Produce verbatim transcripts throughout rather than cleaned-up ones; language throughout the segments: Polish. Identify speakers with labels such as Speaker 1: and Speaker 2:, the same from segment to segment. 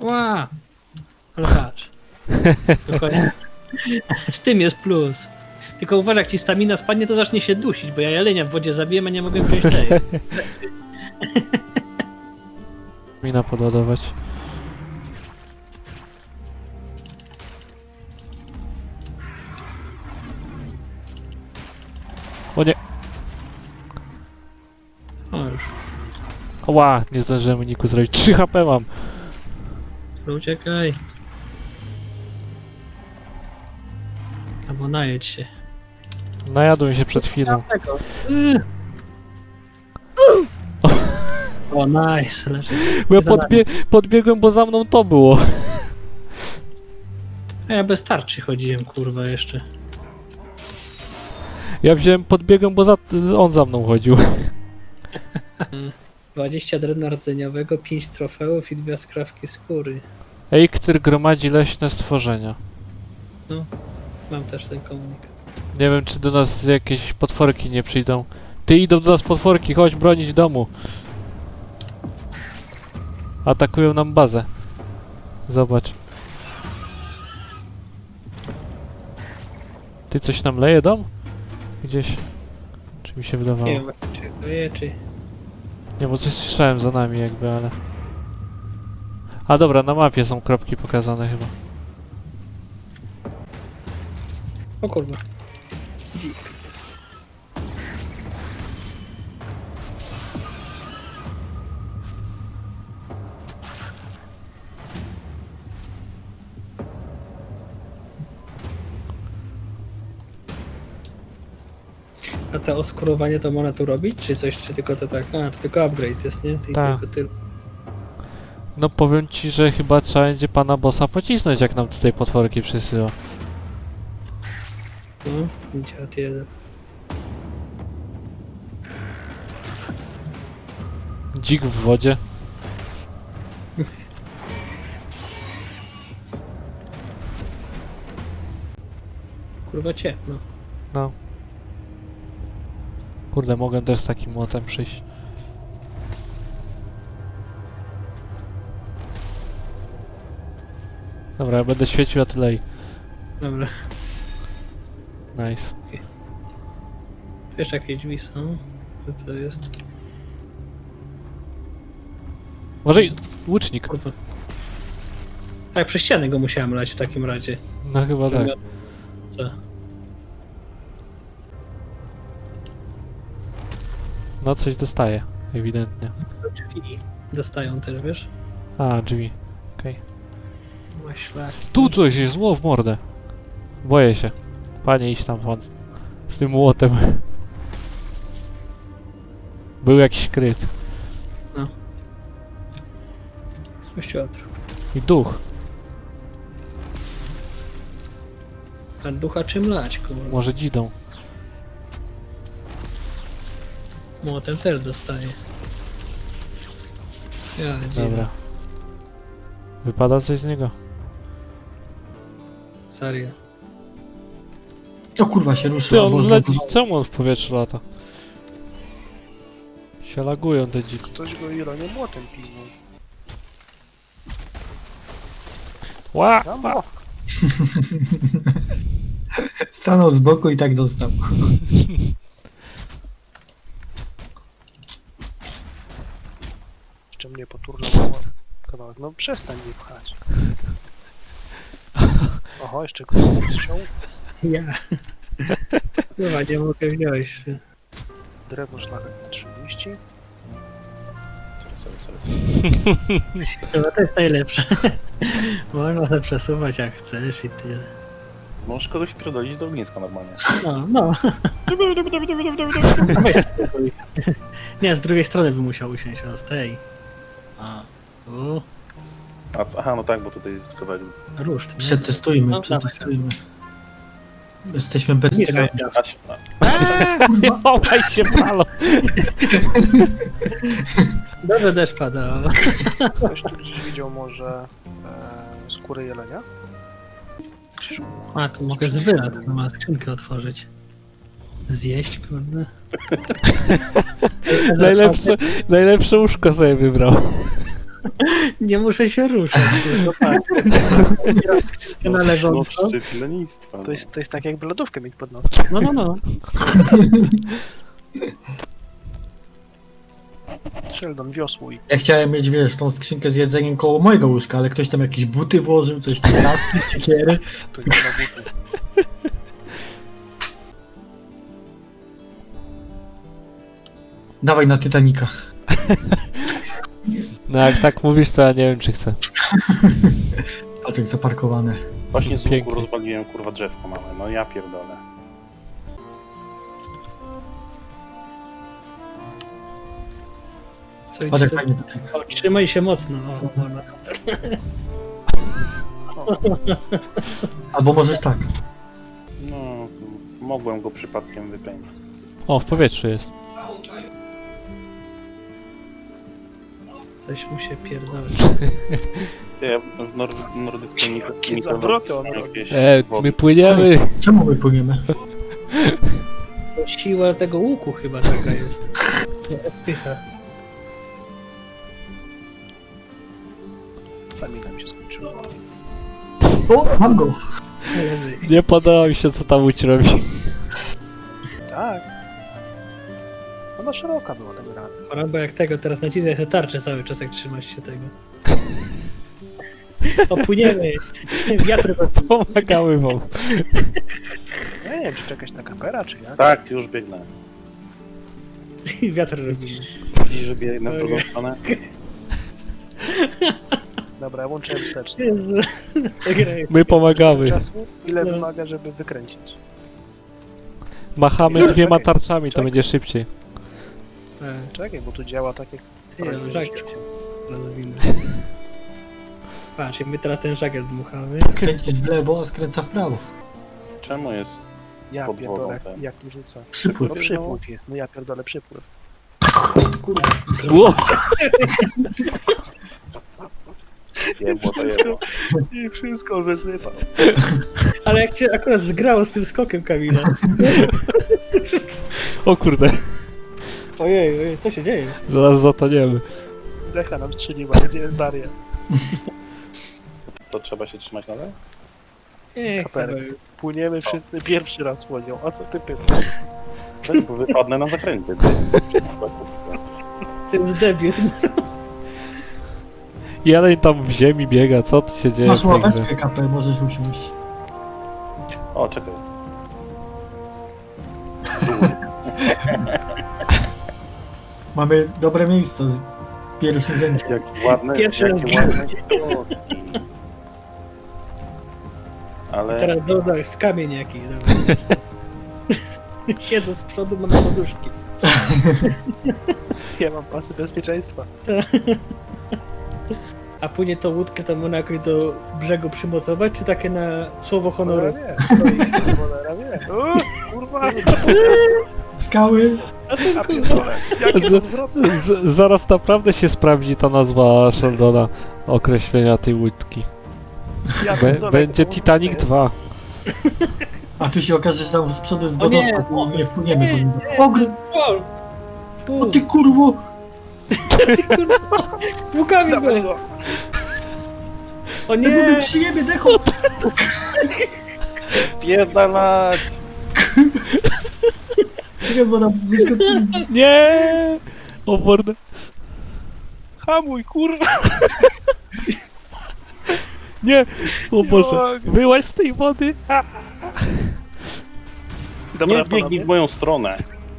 Speaker 1: Ła! Ale patrz. Dokładnie. Z tym jest plus. Tylko uważaj, jak ci stamina spadnie, to zacznie się dusić, bo ja jelenia w wodzie zabiję, a nie mogę wziąć tej.
Speaker 2: Mina podładować. O nie!
Speaker 1: O już.
Speaker 2: Ła! Nie zdążyłem uniku zrobić. trzy H P mam!
Speaker 1: No uciekaj. Albo najedź się.
Speaker 2: Najadłem się przed chwilą.
Speaker 1: Yy. O, nice. Leży.
Speaker 2: Bo ja
Speaker 1: Za nami.
Speaker 2: podbie podbiegłem, bo za mną to było.
Speaker 1: A ja bez tarczy chodziłem, kurwa, jeszcze.
Speaker 2: Ja wziąłem, podbiegłem, bo za on za mną chodził.
Speaker 1: dwadzieścia drewna rdzeniowego, pięć trofeów i dwie skrawki skóry.
Speaker 2: Eikthyr gromadzi leśne stworzenia.
Speaker 1: Mam też ten komunikat.
Speaker 2: Nie wiem, czy do nas jakieś potworki nie przyjdą. Ty, idą do nas potworki, chodź bronić domu. Atakują nam bazę. Zobacz. Ty, coś nam leje dom? Gdzieś. Czy mi się wydawało?
Speaker 1: Nie wiem, czy to je, czy...
Speaker 2: Nie, bo coś słyszałem za nami jakby, ale... A dobra, na mapie są kropki pokazane chyba.
Speaker 1: O kurwa. Dzik. A to oskurowanie to można tu robić? Czy coś, czy tylko to tak? A, czy tylko upgrade jest, nie? Ty,
Speaker 2: Tak.
Speaker 1: tylko ty.
Speaker 2: No powiem ci, że chyba trzeba będzie pana bossa pocisnąć, jak nam tutaj potworki przysyła.
Speaker 1: No, dziad jeden.
Speaker 2: Dzik w wodzie.
Speaker 1: Kurwa ciemno.
Speaker 2: No. Kurde, mogę też z takim młotem przyjść. Dobra, ja będę świecił, a ty lej.
Speaker 1: Dobra.
Speaker 2: Nice.
Speaker 1: Wiesz, jakie drzwi są? Co to jest?
Speaker 2: Może i łucznik.
Speaker 1: Kurwa. Tak, przez ścianę go musiałem lać w takim razie.
Speaker 2: No chyba tak.
Speaker 1: Co?
Speaker 2: No coś dostaje, ewidentnie.
Speaker 1: Drzwi dostają też, wiesz?
Speaker 2: A, drzwi. Okej.
Speaker 1: Okay. Szlak.
Speaker 2: Tu coś jest, zło w mordę. Boję się. Panie, idź tam pan. Z tym młotem. Był jakiś kryt.
Speaker 1: Kościotr.
Speaker 2: I duch.
Speaker 1: A ducha czym lać, kurwa?
Speaker 2: Może dzidą.
Speaker 1: Młotem też dostaje. Ja, dziwne.
Speaker 2: Dobra. Wypada coś z niego?
Speaker 1: Serio.
Speaker 3: O kurwa się
Speaker 2: Ty,
Speaker 3: ruszył,
Speaker 2: on
Speaker 3: bo
Speaker 2: leci, czemu on w powietrzu lata? Się lagują te dziki.
Speaker 4: Ktoś go Ironie młotem piznął.
Speaker 2: Ła!
Speaker 4: Tam
Speaker 2: ła.
Speaker 4: było.
Speaker 3: stanął z boku i tak dostał.
Speaker 4: Jeszcze mnie poturlało kawałek. No przestań mnie pchać. Oho, jeszcze ktoś strzał.
Speaker 1: Ja. Kurwa, nie mogę wziąć. ty.
Speaker 4: Drewno szlachetne trzydzieści.
Speaker 5: Sorry, sorry, sorry.
Speaker 1: Chyba to jest najlepsze. Można to przesuwać jak chcesz i tyle.
Speaker 5: Możesz kogoś wpierdolić do ogniska normalnie.
Speaker 1: No, no. Weź spokój. Nie, z drugiej strony by musiał usiąść, a z tej. A, tu.
Speaker 5: A, co- aha, no tak, bo tutaj jest kawałek.
Speaker 1: Ruszt, nie?
Speaker 3: Przetestujmy,
Speaker 1: No,
Speaker 3: przetestujmy. Jesteśmy bez
Speaker 1: Nie
Speaker 3: strony.
Speaker 1: wiem,
Speaker 5: Aś, a,
Speaker 2: Nie chowaj się, palo!
Speaker 1: Dobrze deszcz pada.
Speaker 4: Ktoś tu gdzieś widział może e, skórę jelenia? Krzyżu.
Speaker 1: A, tu mogę z wyraz, to ma skrzynkę otworzyć. Zjeść, kurde.
Speaker 2: Najlepsze, najlepsze łóżko sobie wybrał.
Speaker 1: Nie muszę się ruszać. Tylko patrz.
Speaker 5: No,
Speaker 1: Na
Speaker 5: no
Speaker 1: leżąco.
Speaker 5: szczyt lenistwa.
Speaker 4: To jest, to jest tak jakby lodówkę mieć pod nosem.
Speaker 1: No, no, no.
Speaker 4: Sheldon, wiosłuj.
Speaker 3: Ja chciałem mieć, wiesz, tą skrzynkę z jedzeniem koło mojego łóżka, ale ktoś tam jakieś buty włożył, coś tam, kaski, siekiery.
Speaker 4: Tu nie ma buty.
Speaker 3: Dawaj na Titanica.
Speaker 2: No jak tak mówisz, to ja nie wiem, czy chcę.
Speaker 3: Patrz jak zaparkowane.
Speaker 5: Właśnie z łuku
Speaker 2: Pięknie.
Speaker 5: rozwaliłem kurwa drzewko mamy, no ja pierdolę.
Speaker 1: Co
Speaker 3: Patrz
Speaker 1: idzie?
Speaker 3: jak fajnie tutaj.
Speaker 1: O, trzymaj się mocno. O, o, no.
Speaker 3: Albo możesz tak.
Speaker 5: No, mogłem go przypadkiem wypędzić.
Speaker 2: O, w powietrzu jest.
Speaker 1: Coś mu się pierdoli.
Speaker 5: Ja w nor nordyckiej mit-
Speaker 4: Jakie
Speaker 5: mitologii
Speaker 4: zawroty on
Speaker 5: są
Speaker 4: robi.
Speaker 5: jakieś
Speaker 2: E,
Speaker 5: wody.
Speaker 2: my płyniemy!
Speaker 3: Czemu my płyniemy?
Speaker 1: To siła tego łuku chyba taka jest. Odpycha.
Speaker 4: Stamina mi się skończyła.
Speaker 3: O, mam go!
Speaker 1: Leży.
Speaker 2: Nie podoba mi się, co tam Łódź robi.
Speaker 4: Tak. Ona szeroka była tak rana.
Speaker 1: Choroba jak tego, teraz naciskaj sobie tarczę cały czas, jak trzymasz się tego. Opłyniemy. Wiatr
Speaker 2: Pomagamy wam.
Speaker 4: Ja nie wiem, czy czekać na kapera, czy jak.
Speaker 5: Tak, już biegnę.
Speaker 1: wiatr robimy.
Speaker 5: Widzisz, że biegnę w drugą stronę?
Speaker 4: Dobra, ja łączę wstecznie.
Speaker 1: Jezu. Ta gra jest-
Speaker 2: My pomagamy.
Speaker 4: Czasu, ile
Speaker 1: No.
Speaker 4: wymaga, żeby wykręcić?
Speaker 2: Machamy dwiema
Speaker 4: Czekaj,
Speaker 2: tarczami, to
Speaker 4: czekaj.
Speaker 2: będzie szybciej.
Speaker 1: Tak.
Speaker 4: Czekaj, bo tu działa tak jak...
Speaker 1: Ty, no, żagiel się rozwinął. Patrz, i my teraz ten żagiel dmuchamy.
Speaker 3: Kręcisz w lewo, a skręca w prawo.
Speaker 5: Czemu jest...
Speaker 4: Ja
Speaker 5: Pod
Speaker 4: pierdolę,
Speaker 5: wodą ten.
Speaker 4: jak tu rzuca.
Speaker 3: Przypływ.
Speaker 4: No przypływ jest, no ja pierdolę przypływ.
Speaker 3: Kurwa.
Speaker 2: Ło!
Speaker 5: jebło, to
Speaker 4: Wszystko,
Speaker 5: jebło.
Speaker 4: i wszystko wysypał.
Speaker 1: Ale jak się akurat zgrało z tym skokiem Kamila.
Speaker 2: O kurde,
Speaker 1: Ojej, ojej, co się dzieje?
Speaker 2: zaraz zatoniemy.
Speaker 4: Decha nam strzeliła, gdzie jest Daria?
Speaker 5: To trzeba się trzymać nadal?
Speaker 1: Nie,
Speaker 4: Kaperek.
Speaker 1: chyba-
Speaker 4: Płyniemy wszyscy pierwszy raz łodzią, a co ty pytasz?
Speaker 5: Tak, bo wypadnę na zakręty.
Speaker 1: to jest debil.
Speaker 2: Jeleń tam w ziemi biega, co tu się dzieje?
Speaker 3: Masz
Speaker 2: w tej grze?
Speaker 3: ławeczkę kapę, możesz usiąść.
Speaker 5: O, czekaj.
Speaker 3: Mamy dobre miejsce z pierwszym rzędzie.
Speaker 5: Jaki ładny,
Speaker 1: Pierwszy raz
Speaker 5: jakie ładne kroki. Ale
Speaker 1: Teraz dodaj w kamień jakiś. Dobra, jest. Siedzę z przodu, mam poduszki.
Speaker 4: Ja mam pasy bezpieczeństwa.
Speaker 1: A później tą łódkę to można jakoś do brzegu przymocować, czy takie na słowo honoru?
Speaker 4: Cholera wie, stoi, cholera wie. O, kurwa,
Speaker 3: Skały!
Speaker 1: A ten
Speaker 4: a
Speaker 1: kurwa.
Speaker 4: pierdolę, jakie to zwrotne.
Speaker 2: Z, zaraz naprawdę się sprawdzi ta nazwa Sheldona, określenia tej łódki.
Speaker 4: Ja
Speaker 2: Be,
Speaker 4: pierdolę,
Speaker 2: będzie
Speaker 4: to
Speaker 2: Titanic
Speaker 4: jest.
Speaker 2: dwa.
Speaker 3: A tu się okaże, że tam z przodu jest
Speaker 1: O nie,
Speaker 3: wodospad i nie wpłyniemy po
Speaker 1: Nie,
Speaker 3: nim.
Speaker 1: nie,
Speaker 3: Ogr!
Speaker 1: o,
Speaker 3: O
Speaker 1: fu,
Speaker 3: ty kurwo!
Speaker 1: ty kurwa. Łukami
Speaker 4: Dawać
Speaker 1: go.
Speaker 4: go.
Speaker 1: O
Speaker 3: Nie
Speaker 1: nie!
Speaker 3: przyjemy dechą!
Speaker 5: pierdalać!
Speaker 3: Czekaj, bo nam wyskoczyli.
Speaker 2: Nie! O mordę.
Speaker 4: Hamuj, kurwa.
Speaker 2: Nie! O Boże.
Speaker 4: mogę.
Speaker 2: Wyłaź z tej wody! A!
Speaker 4: Dobra,
Speaker 5: Nie biegnij
Speaker 4: panowie,
Speaker 5: w moją stronę.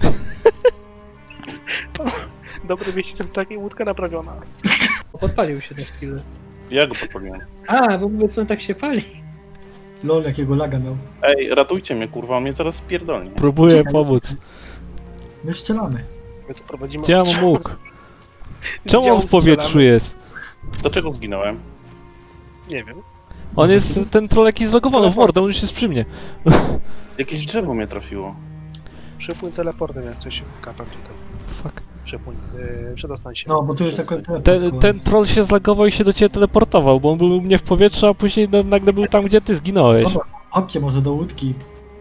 Speaker 4: dobre wieści są takie, łódka naprawiona.
Speaker 1: Podpalił się na chwilę.
Speaker 5: Ja go podpaliłem.
Speaker 1: A, bo mówię, co on tak się pali.
Speaker 3: Lol, jakiego laga miał.
Speaker 5: Ej, ratujcie mnie, kurwa, on mnie zaraz spierdolnie.
Speaker 2: Próbuję
Speaker 3: Czekaj.
Speaker 2: pomóc.
Speaker 3: My strzelamy.
Speaker 4: My tu prowadzimy...
Speaker 2: Gdzie ja mam
Speaker 4: ostrzał.
Speaker 2: łuk?
Speaker 4: Z
Speaker 2: Czemu on
Speaker 4: działu
Speaker 2: w powietrzu
Speaker 4: strzelamy.
Speaker 2: jest?
Speaker 5: Dlaczego zginąłem?
Speaker 4: Nie wiem.
Speaker 2: On jest, ten troll jakiś zlogowany w mordę, on już jest przy mnie.
Speaker 5: Jakieś drzewo mnie trafiło.
Speaker 4: Przypłyń teleportem, jak coś kapem tutaj.
Speaker 2: Fuck.
Speaker 4: Przypłyń, yy, przedostań się.
Speaker 3: No, bo tu jest akurat
Speaker 2: Ten, ten troll się zlagował i się do ciebie teleportował, bo on był u mnie w powietrzu, a później no, nagle był tam, gdzie ty zginąłeś.
Speaker 3: Dobra, chodźcie może do łódki.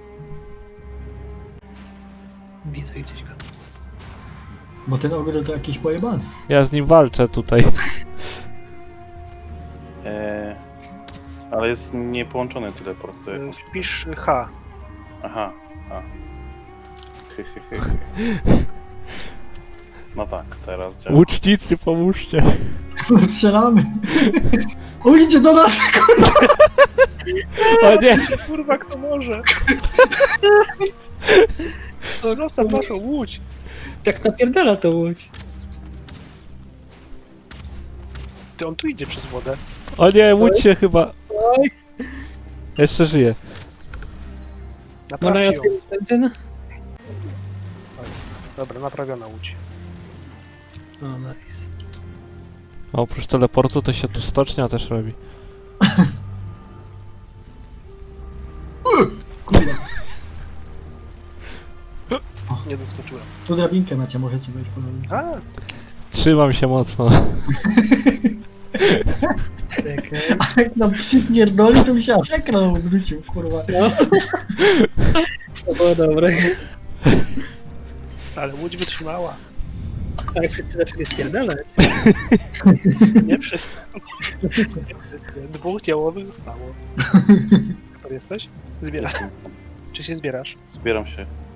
Speaker 1: Widzę gdzieś go.
Speaker 3: Bo ten ogr to jakiś pojebany.
Speaker 2: Ja z nim walczę tutaj.
Speaker 5: E, ale jest niepołączony teleport. To
Speaker 4: E,
Speaker 5: jak...
Speaker 4: Wpisz H.
Speaker 5: Aha, a. Hy, hy, hy, hy. No tak, teraz działa.
Speaker 2: Łucznicy, pomóżcie.
Speaker 3: Strzelamy. O, idzie do nas!
Speaker 2: O nie!
Speaker 4: Kurwa, kto może? Zostaw naszą łódź.
Speaker 1: Tak napierdala to łódź.
Speaker 4: Ty, on tu idzie przez wodę.
Speaker 2: O nie, łódź się chyba.
Speaker 1: Oj,
Speaker 2: Jeszcze żyje.
Speaker 1: no na
Speaker 4: Naprawcie ją.
Speaker 1: ten, ten.
Speaker 4: O, jest. Dobra, naprawiona łódź.
Speaker 1: O, nice.
Speaker 2: A oprócz teleportu to się tu stocznia też robi.
Speaker 3: Kurwa.
Speaker 4: Nie doskoczyłem.
Speaker 3: Tu drabinkę macie, możecie wejść po drabince.
Speaker 4: A,
Speaker 2: Trzymam się mocno.
Speaker 1: Czekaj.
Speaker 3: A jak nam przypierdoli, to mi się aż ekran obrócił, kurwa.
Speaker 1: No. To było dobre.
Speaker 4: ale łódź wytrzymała.
Speaker 1: Ale wszyscy zaczęli spierdalać.
Speaker 4: Nie wszyscy. Nie wszyscy. Dwóch działowych zostało. Super jesteś? Zbierasz.
Speaker 5: Jestem.
Speaker 4: Czy się zbierasz?
Speaker 5: Zbieram się.